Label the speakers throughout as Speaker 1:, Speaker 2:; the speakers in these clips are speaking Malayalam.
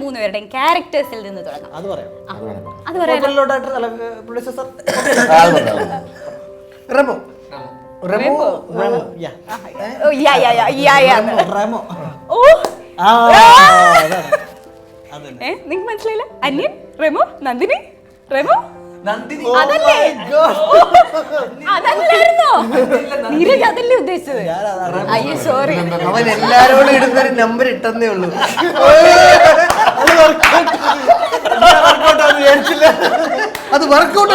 Speaker 1: മൂന്നുപേരുടെയും ക്യാരക്ടേഴ്സിൽ നിന്ന് തുടങ്ങാം.
Speaker 2: അത് പറയാം.
Speaker 1: അത് പറയാം.
Speaker 2: റെമോ റെമോ റെമോ യാ
Speaker 1: യാ യാ യാ യാ യാ
Speaker 2: റെമോ.
Speaker 1: ഓ നിങ്ങൾക്ക് മനസ്സിലായില്ല? അന്യൻ, റെമോ, നന്ദിനി, റെമോ,
Speaker 3: നന്ദിനി.
Speaker 1: അതല്ലേ? അതല്ലായിരുന്നോ? നീരജ് അതല്ലേ ഉദ്ദേശിച്ചത്? അയ്യോ സോറി.
Speaker 4: അവൻ എല്ലാരോടും ഇടുന്നൊരു നമ്പർ ഇട്ടെന്നേ ഉള്ളൂ. അത് വർക്കൗട്ട്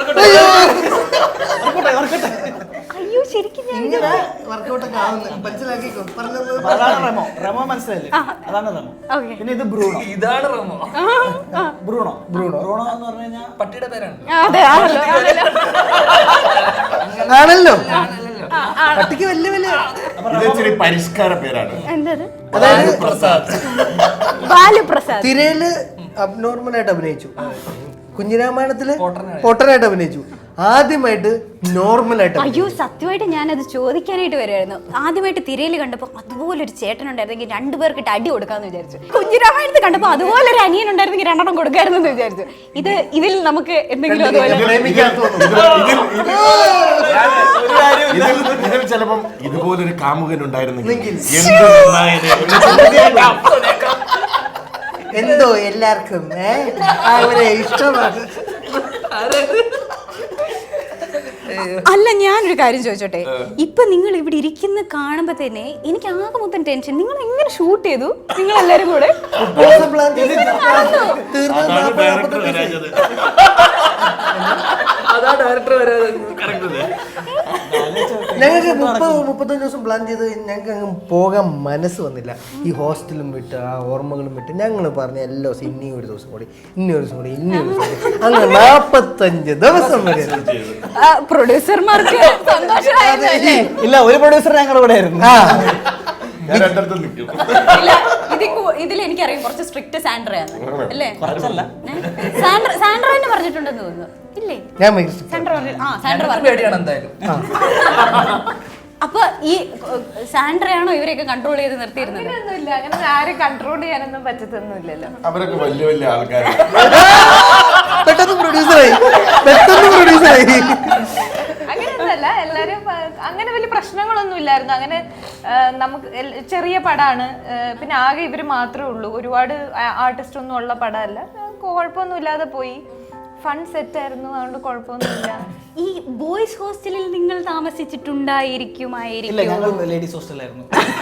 Speaker 1: അയ്യോ ശരിക്കും
Speaker 4: ഇങ്ങനെ വർക്കൗട്ടൊക്കെ ആവുന്നു. മനസ്സിലാക്കിക്കോ പറഞ്ഞത്.
Speaker 2: അതാണ് റെമോ. റെമോ മനസ്സിലായില്ലേ? അതാണ് റെമോ. പിന്നെ ഇത് ബ്രൂണോ.
Speaker 3: ഇതാണ് റെമോ.
Speaker 2: ബ്രൂണോ ബ്രൂണോ ബ്രൂണോ എന്ന് പറഞ്ഞു കഴിഞ്ഞാൽ
Speaker 3: പട്ടിയുടെ പേരാണ്.
Speaker 1: അതെ
Speaker 4: ആണല്ലോ. പട്ടിക്ക് വലിയ വലിയ
Speaker 5: ഇതൊരു പരിഷ്കാര പേരാണ്.
Speaker 1: എന്തത്?
Speaker 4: അതായത്
Speaker 1: ബാലുപ്രസാദ്
Speaker 4: തിരയില് അബ്നോർമലായിട്ട് അഭിനയിച്ചു, കുഞ്ഞിരാമായണത്തില് പൊട്ടനായിട്ട് അഭിനയിച്ചു, ആദ്യമായിട്ട് നോർമലായിട്ട്.
Speaker 1: അയ്യോ സത്യമായിട്ട് ഞാനത് ചോദിക്കാനായിട്ട് വരുമായിരുന്നു. ആദ്യമായിട്ട് തിരയിൽ കണ്ടപ്പോൾ അതുപോലൊരു ചേട്ടൻ ഉണ്ടായിരുന്നെങ്കിൽ രണ്ടുപേർക്കിട്ട് അടി കൊടുക്കാന്ന് വിചാരിച്ചു. കുഞ്ഞിരാമായണത്തിൽ കണ്ടപ്പോൾ അതുപോലൊരു അനിയൻ ഉണ്ടായിരുന്നെങ്കിൽ രണ്ടെണ്ണം കൊടുക്കായിരുന്നു എന്ന് വിചാരിച്ചു. ഇതിൽ നമുക്ക് എന്തെങ്കിലും അതുപോലെ
Speaker 5: ഇതിൽ ചിലപ്പം ഇതുപോലൊരു കാമുകൻ ഉണ്ടായിരുന്നെങ്കിൽ
Speaker 4: എന്തോ എല്ലാവർക്കും അവരെ ഇഷ്ടമാണ്.
Speaker 1: അല്ല ഞാനൊരു കാര്യം ചോദിച്ചോട്ടെ, ഇപ്പൊ നിങ്ങൾ ഇവിടെ ഇരിക്കുന്ന കാണുമ്പോ തന്നെ എനിക്ക് ആകെ മൊത്തം ടെൻഷൻ. നിങ്ങൾ എങ്ങനെ ഷൂട്ട് ചെയ്തു നിങ്ങൾ എല്ലാരും കൂടെ?
Speaker 3: അതാ ഡയറക്ടർ വരാതെ.
Speaker 4: ഞങ്ങൾക്ക് 30-35 ദിവസം പ്ലാൻ ചെയ്ത് ഞങ്ങൾക്ക് അങ്ങ് പോകാൻ മനസ്സ് വന്നില്ല. ഈ ഹോസ്റ്റലും വിട്ട് ആ ഓർമ്മകളും വിട്ട് ഞങ്ങൾ പറഞ്ഞ എല്ലാ ദിവസം ഇനി ഒരു ദിവസം കൂടി, ഇനി ഒരു ദിവസം കൂടി, ഇനി ഒരു ദിവസം കൂടി, അങ്ങനെ 45 ദിവസം വരെ.
Speaker 1: പ്രൊഡ്യൂസർമാർക്ക്
Speaker 2: ഇല്ല, ഒരു പ്രൊഡ്യൂസർ ഞങ്ങളുടെ കൂടെ ആയിരുന്നു.
Speaker 5: ഞാൻ രണ്ടിടത്തും നിൽക്കും.
Speaker 1: ഇതിൽ എനിക്കറിയാം കുറച്ച് സ്ട്രിക്റ്റ് സാൻഡ്രയാണ് അല്ലേ?
Speaker 2: കുറച്ചല്ല,
Speaker 1: സാൻഡ്ര തന്നെ പറഞ്ഞിട്ടുണ്ടെന്ന് തോന്നുന്നു. ഇല്ലേ?
Speaker 4: ഞാൻ
Speaker 1: സാൻഡ്ര
Speaker 3: പേടിയാണ് എന്തായാലും.
Speaker 1: അപ്പൊ ഈ സാൻഡ്രയാണോ ഇവരെയൊക്കെ കൺട്രോൾ ചെയ്ത് നിർത്തിയിരുന്നത്?
Speaker 6: ഒന്നുമില്ല, അങ്ങനെ ആരും കൺട്രോൾ ചെയ്യാനൊന്നും പറ്റത്തൊന്നുമില്ലല്ലോ.
Speaker 5: അവരൊക്കെ വലിയ വലിയ ആൾക്കാരാണ്.
Speaker 4: പെട്ടെന്ന് പ്രൊഡ്യൂസറായി.
Speaker 6: അങ്ങനെയൊന്നുമല്ല, എല്ലാരും അങ്ങനെ വലിയ പ്രശ്നങ്ങളൊന്നും ഇല്ലായിരുന്നു. അങ്ങനെ നമുക്ക് ചെറിയ പടമാണ്, പിന്നെ ആകെ ഇവര് മാത്രമേ ഉള്ളൂ, ഒരുപാട് ആർട്ടിസ്റ്റ് ഒന്നും ഉള്ള പടമല്ല. കുഴപ്പമൊന്നും ഇല്ലാതെ പോയി. ഫൺ സെറ്റ് ആയിരുന്നു, അതുകൊണ്ട് കുഴപ്പമൊന്നുമില്ല.
Speaker 1: ഈ ബോയ്സ് ഹോസ്റ്റലിൽ നിങ്ങൾ താമസിച്ചിട്ടുണ്ടായിരിക്കുമായിരിക്കും?
Speaker 2: ലേഡീസ് ഹോസ്റ്റലായിരുന്നു.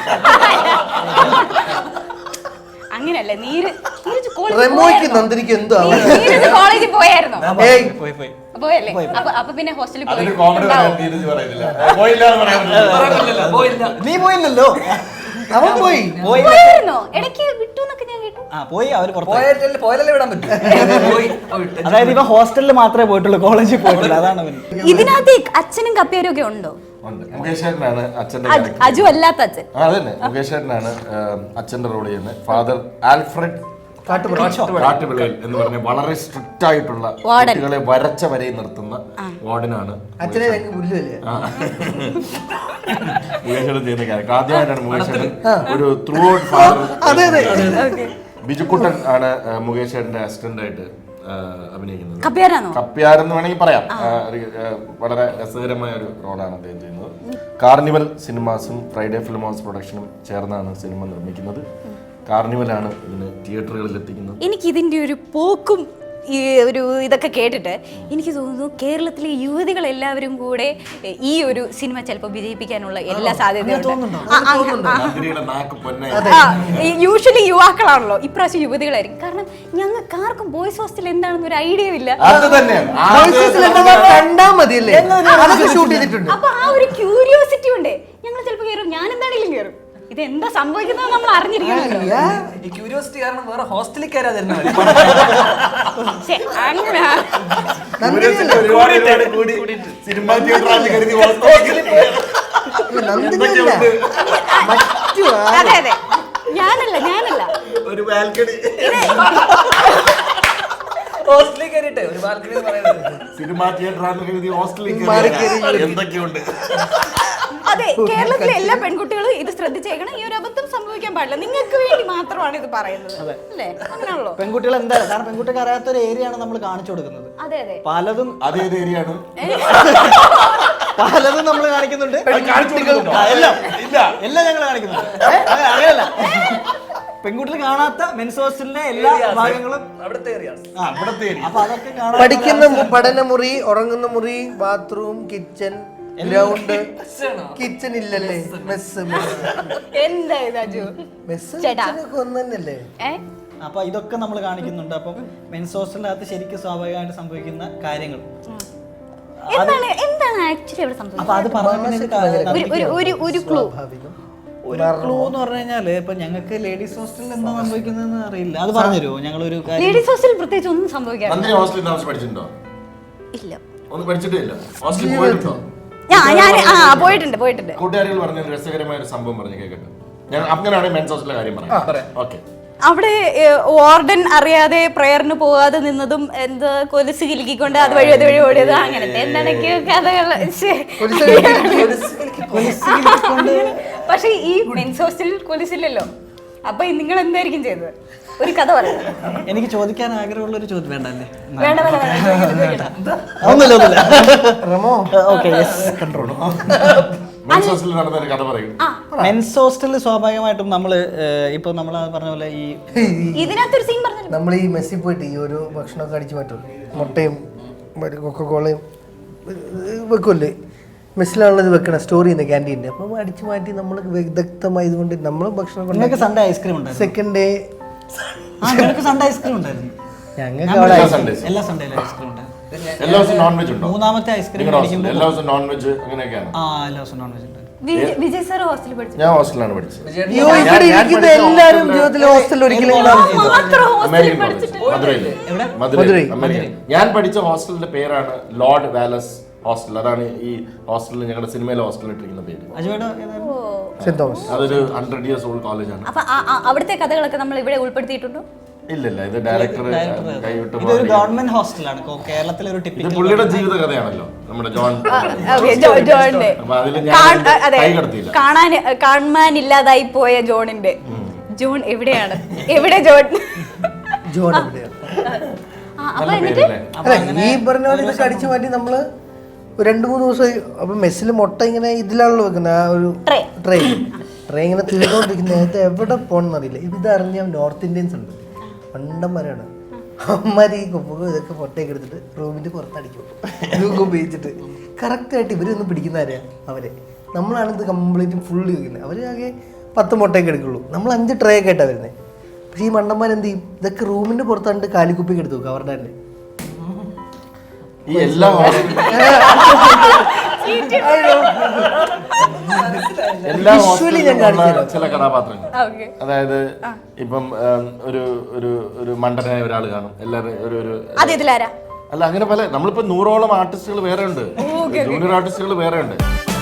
Speaker 1: അങ്ങനല്ല, നീരജ്
Speaker 4: നന്ദിനിക്ക് എന്തോ
Speaker 1: കോളേജിൽ പോയായിരുന്നോ?
Speaker 2: പോയി
Speaker 1: പോയല്ലേ? അപ്പൊ പിന്നെ ഹോസ്റ്റലിൽ
Speaker 5: അതൊരു കോമഡി പറയുന്നില്ല.
Speaker 3: പോയില്ല.
Speaker 2: നീ പോയില്ലല്ലോ.
Speaker 4: അവൻ
Speaker 1: പോയായിരുന്നോ? ഇടയ്ക്ക് വിട്ടു എന്നൊക്കെ ഞാൻ കേട്ടു.
Speaker 2: പോയി, അവര്
Speaker 3: പോയാലല്ലേ വിടാൻ പറ്റും.
Speaker 2: അതായത് ഇവ ഹോസ്റ്റലിൽ മാത്രമേ പോയിട്ടുള്ളൂ, കോളേജിൽ പോയിട്ടില്ല. അതാണ്
Speaker 1: ഇതിനകത്ത് അച്ഛനും കപ്പേരും ഒക്കെ ഉണ്ടോ?
Speaker 5: മുകേഷേട്ടനാണ് അച്ഛന്റെ
Speaker 1: അജു അല്ലാത്ത അച്ഛൻ.
Speaker 5: അതന്നെ, മുകേഷേട്ടനാണ് അച്ഛന്റെ റോൾ ചെയ്യുന്നത്. ഫാദർ ആൽഫ്രഡ് കാട്ടുവിളയിൽ എന്ന് പറഞ്ഞ വളരെ സ്ട്രിക്റ്റ് ആയിട്ടുള്ള കുട്ടികളെ വരച്ച വരയിൽ നിർത്തുന്ന വാർഡനാണ്
Speaker 4: അച്ഛനെ. പുല്ലുമല്ലേ
Speaker 5: മുകേഷേട്ടൻ ചെയ്യുന്ന ക്യാരക്ടർ. ആദ്യമായിട്ടാണ് മുകേഷേട്ടൻ ഒരു ത്രൂ ഔട്ട് ഫാദർ. ബിജുക്കുട്ടൻ ആണ് മുകേഷേട്ടന്റെ അസിസ്റ്റന്റ് ആയിട്ട് അഭിനയിക്കുന്നത്. കപ്പ്യാരെന്ന് വേണമെങ്കിൽ പറയാം. വളരെ രസകരമായ ഒരു റോളാണ് അദ്ദേഹം ചെയ്യുന്നത്. കാർണിവൽ സിനിമാസും ഫ്രൈഡേ ഫിലിം ഹൗസ് പ്രൊഡക്ഷനും ചേർന്നാണ് സിനിമ നിർമ്മിക്കുന്നത്. കാർണിവലാണ് ഇതിന് തിയേറ്ററുകളിൽ എത്തിക്കുന്നത്.
Speaker 1: എനിക്ക് ഇതിന്റെ ഒരു പോക്കും ഈ ഒരു ഇതൊക്കെ കേട്ടിട്ട് എനിക്ക് തോന്നുന്നു കേരളത്തിലെ യുവതികൾ എല്ലാവരും കൂടെ ഈ ഒരു സിനിമ ചിലപ്പോൾ വിജയിപ്പിക്കാനുള്ള എല്ലാ സാധ്യതയും. യൂഷ്വലി യുവാക്കളാണല്ലോ, ഇപ്രാവശ്യം യുവതികളായിരിക്കും. കാരണം ഞങ്ങൾക്ക് ആർക്കും ബോയ്സ് ഹോസ്റ്റൽ എന്താണെന്ന് ഒരു ഐഡിയ ഇല്ല. അപ്പൊ ആ ഒരു ക്യൂരിയോസിറ്റി ഉണ്ട്. ഞങ്ങൾ ചിലപ്പോൾ കയറും, ഞാൻ എന്താണെങ്കിലും കയറും. ഇതെന്താ സംഭവിക്കുന്നത് നമ്മൾ അറിഞ്ഞിരിക്കണമല്ലോ.
Speaker 3: ഈ ക്യൂരിയോസിറ്റി കാരണം വേറെ ഹോസ്റ്റലിൽ കയറാതിരുന്ന
Speaker 1: അതെ അതെ, ഞാനല്ല
Speaker 5: ഒരു ബാൽക്കണി
Speaker 3: ഹോസ്റ്റലിൽ കയറിട്ടെ ഒരു ബാൽക്കണി
Speaker 5: സിനിമാ തിയേറ്റർ ഹോസ്റ്റലിൽ എന്തൊക്കെയുണ്ട്.
Speaker 1: അതെ, കേരളത്തിലെ എല്ലാ പെൺകുട്ടികളും ഇത് ശ്രദ്ധിച്ചേക്കണം. ഈ ഒരു അബദ്ധം സംഭവിക്കാൻ ചോദിക്കാൻ പാടില്ല, നിങ്ങൾക്ക് വേണ്ടി മാത്രമാണ് ഇത് പറയുന്നത് അല്ലേ? അങ്ങനെയാണല്ലോ.
Speaker 2: പെൺകുട്ടികൾ എന്തായാലും, കാരണം പെൺകുട്ടിക്ക് അറിയാത്ത ഒരു ഏരിയ ആണ് നമ്മൾ കാണിച്ചു കൊടുക്കുന്നത്.
Speaker 1: അതെ അതെ,
Speaker 2: പലതും
Speaker 5: അതേത് ഏരിയ ആണ്?
Speaker 2: പലതും നമ്മൾ കാണിക്കുന്നുണ്ട്. എല്ലാം ഞങ്ങൾ കാണിക്കുന്നുണ്ട്. അങ്ങനെയല്ല, പെൺകുട്ടികൾ കാണാത്ത മെൻസ് ഹോസ്റ്റലിന്റെ എല്ലാ ഭാഗങ്ങളും
Speaker 3: അവിടുത്തെ ഏരിയാസ്.
Speaker 2: അപ്പൊ അതൊക്കെ കാണാൻ
Speaker 4: പഠിക്കുന്ന പഠനമുറി, ഉറങ്ങുന്ന മുറി, ബാത്റൂം, കിച്ചൺ, ഗ്രൗണ്ട്. കിച്ചൺ ഇല്ലല്ലേ? മെസ്സ്
Speaker 1: എന്താ ഇത് അജു?
Speaker 4: മെസ്സ്
Speaker 1: ചേട്ടാ.
Speaker 4: ഒന്ന് തന്നെയല്ലേ?
Speaker 2: അപ്പൊ ഇതൊക്കെ നമ്മൾ കാണിക്കുന്നുണ്ട്. അപ്പം മെൻസ് ഹോസ്റ്റലിനകത്ത് ശരിക്കും സ്വാഭാവികമായിട്ട് സംഭവിക്കുന്ന കാര്യങ്ങൾ
Speaker 1: എന്താണ് ആക്ച്വലി അവിടെ
Speaker 2: അപ്പൊ അത്
Speaker 1: ഒരു ക്ലൂ
Speaker 2: ഒരു ക്ലൂ എന്ന് പറഞ്ഞു കഴിഞ്ഞാല് ഇപ്പൊ ഞങ്ങൾക്ക് ലേഡീസ് ഹോസ്റ്റലിൽ എന്താ സംഭവിക്കുന്നതെന്ന് അറിയില്ല. അത് പറഞ്ഞുതരുമോ? ഞങ്ങൾ ഒരു
Speaker 1: ലേഡീസ് ഹോസ്റ്റലിൽ പ്രത്യേകിച്ച് ഒന്നും സംഭവിക്കാറില്ല.
Speaker 5: നന്ദിനി ഹോസ്റ്റലിൽ താമസം പഠിച്ചിട്ടുണ്ടോ?
Speaker 1: ഇല്ല,
Speaker 5: ഒന്നും പഠിച്ചിട്ടേ ഇല്ല. ഹോസ്റ്റലിൽ പോയിട്ടുണ്ടോ?
Speaker 1: ഞാൻ പോയിട്ടുണ്ട്.
Speaker 5: കൂട്ടുകാരികൾ പറഞ്ഞ ഒരു രസകരമായ ഒരു സംഭവം പറഞ്ഞു കേൾക്കട്ടെ. ഞാൻ അങ്ങനെയാണെങ്കിൽ മെൻസ് ഹോസ്റ്റലിലെ കാര്യം പറയാം. ഓക്കെ.
Speaker 1: അവിടെ വാർഡൻ അറിയാതെ പ്രയറിന് പോകാതെ നിന്നതും എന്ത് കൊലുസ് കിലുക്കിക്കൊണ്ട് അതുവഴി ഓടിയത് അങ്ങനത്തെ എന്തൊക്കെയോ കഥകൾ. പക്ഷെ ഈ മെൻസ് ഹോസ്റ്റലിൽ കൊലുസില്ലല്ലോ. അപ്പൊ നിങ്ങൾ എന്തായിരിക്കും ചെയ്തത്? ഒരു കഥ പറയാം.
Speaker 2: എനിക്ക് ചോദിക്കാൻ ആഗ്രഹമുള്ള ഒരു ചോദ്യം വേണ്ടല്ലേ?
Speaker 5: മെൻസ് ഹോസ്റ്റലിൽ നടന്ന ഒരു കഥ പറയും.
Speaker 2: മെൻസ് ഹോസ്റ്റലിൽ സ്വാഭാവികമായിട്ടും നമ്മള് ഇപ്പൊ നമ്മൾ പറഞ്ഞ പോലെ ഈ
Speaker 1: ഇതിനകത്തൊരു സീൻ പറഞ്ഞു.
Speaker 4: നമ്മൾ ഈ മെസ്സിൽ പോയിട്ട് ഈ ഒരു ഭക്ഷണമൊക്കെ അടിച്ചു മാറ്റും, മുട്ടയും കൊക്കക്കോളയും വെക്കുമല്ലേ? മെസ്സിലാണുള്ളത് വെക്കണം, സ്റ്റോർ ചെയ്യുന്ന ക്യാൻറ്റീൻ്റെ. അപ്പം അടിച്ചു മാറ്റി നമ്മൾ വിദഗ്ധമായതുകൊണ്ട് നമ്മൾ ഭക്ഷണം
Speaker 2: നിങ്ങൾക്ക് സൺഡേ ഐസ്ക്രീം ഉണ്ടായിരുന്നു.
Speaker 4: സെക്കൻഡ് ഡേ
Speaker 2: ഞങ്ങൾക്ക് സൺഡേ ഐസ്ക്രീം ഉണ്ടായിരുന്നു.
Speaker 4: ഞങ്ങൾക്ക് അവിടെ
Speaker 2: എല്ലാ സൺഡേയിലും ഐസ്ക്രീം ഉണ്ടായിരുന്നു.
Speaker 5: എല്ലാ ദിവസവും നോൺ വെജ് ഉണ്ടോ?
Speaker 2: മൂന്നാമത്തെ ഐസ്ക്രീം
Speaker 5: എല്ലാ ദിവസവും നോൺ വെജ് അങ്ങനെയൊക്കെയാണ്.
Speaker 2: എല്ലാ ദിവസവും നോൺ വെജ് ഉണ്ടായിരുന്നു.
Speaker 1: വിജയ് സാർ ഹോസ്റ്റലിൽ പഠിച്ചു.
Speaker 5: ഞാൻ ഹോസ്റ്റലിലാണ് പഠിച്ചത്.
Speaker 4: ഇവിടെ ഇരിക്കുന്ന എല്ലാവരും ജീവിതത്തിൽ ഹോസ്റ്റലിൽ ഒരിക്കലും
Speaker 5: അമേരിക്കൻ കോളേജ് മധുരൈ അമേരിക്കൻ. ഞാൻ പഠിച്ച ഹോസ്റ്റലിന്റെ പേരാണ് ലോർഡ് വാലസ് ഹോസ്റ്റൽ. അതാണ് ഈ ഹോസ്റ്റലിൽ ഞങ്ങളുടെ സിനിമയിലെ ഹോസ്റ്റലിൽ ഇട്ടിരിക്കുന്ന പേര്.
Speaker 4: Saint Thomas.
Speaker 5: അതൊരു 100 years old കോളേജാണ്.
Speaker 1: അപ്പൊ അവിടുത്തെ കഥകളൊക്കെ നമ്മൾ ഇവിടെ ഉൾപ്പെടുത്തിയിട്ടുണ്ടോ?
Speaker 5: ഇല്ല, ഇത് ഡയറക്ടർ കൈവിട്ട്
Speaker 2: ഇതൊരു ഗവൺമെന്റ് ഹോസ്റ്റലാണ്. കേരളത്തിലെ ഒരു
Speaker 5: ഇത്
Speaker 2: ടിപ്പിക്കൽ
Speaker 5: പുള്ളിയുടെ ജീവിത കഥയാണല്ലോ, നമ്മുടെ ജോൺ.
Speaker 1: ജോണിന്റെ
Speaker 5: അപ്പൊ അതിൽ ഞാൻ കൈ കടത്തിയില്ല.
Speaker 1: കാണാനില്ലാതായി പോയ ജോണിന്റെ ജോൺ എവിടെയാണ്? എവിടെ ജോൺ?
Speaker 4: ജോൺ എവിടെയാണ്?
Speaker 1: അപ്പൊ എന്നിട്ട്
Speaker 4: ഈ പറഞ്ഞ പോലെ ഇതൊക്കെ അടിച്ചു മാറ്റി നമ്മള് 2-3 ദിവസമായി. അപ്പൊ മെസ്സിൽ മുട്ട ഇങ്ങനെ ഇതിലാണല്ലോ വെക്കുന്നത്, ആ ഒരു ട്രേ ഇങ്ങനെ തീർന്നുകൊണ്ടിരിക്കുന്ന നേരത്തെ എവിടെ പോകണമെന്ന് അറിയില്ല. ഇതറിഞ്ഞ നോർത്ത് ഇന്ത്യൻസ് ഉണ്ട്, പണ്ടന്മാരാണ്. അമ്മമാര് ഈ കൊമ്പുകൾ ഇതൊക്കെ മുട്ടയൊക്കെ എടുത്തിട്ട് റൂമിന്റെ പുറത്തടിക്കും, ഇതൊക്കെ ഉപയോഗിച്ചിട്ട്. കറക്റ്റായിട്ട് ഇവരൊന്നും പിടിക്കുന്നവരാ അവരെ. നമ്മളാണ് ഇത് കംപ്ലീറ്റ് ഫുള്ള് വെക്കുന്നത്. അവർ ആകെ 10 മുട്ടയൊക്കെ എടുക്കുള്ളൂ, നമ്മൾ 5 ട്രേ ഒക്കെ ആയിട്ടാണ് വരുന്നത്. പക്ഷേ ഈ മണ്ടന്മാരെന്ത് ചെയ്യും? ഇതൊക്കെ റൂമിന്റെ പുറത്താണ്ട് കാലിക്കുപ്പിക്ക് എടുത്തു വെക്കും അവരുടെ തന്നെ.
Speaker 5: ഈ എല്ലാ ചില കഥാപാത്രങ്ങൾ, അതായത് ഇപ്പം ഒരു മണ്ടനായ ഒരാൾ കാണും, എല്ലാവരും അല്ല അങ്ങനെ പല. നമ്മളിപ്പോ 100ഓളം ആർട്ടിസ്റ്റുകൾ വേറെ ഉണ്ട്, ജൂനിയർ ആർട്ടിസ്റ്റുകൾ വേറെ ഉണ്ട്.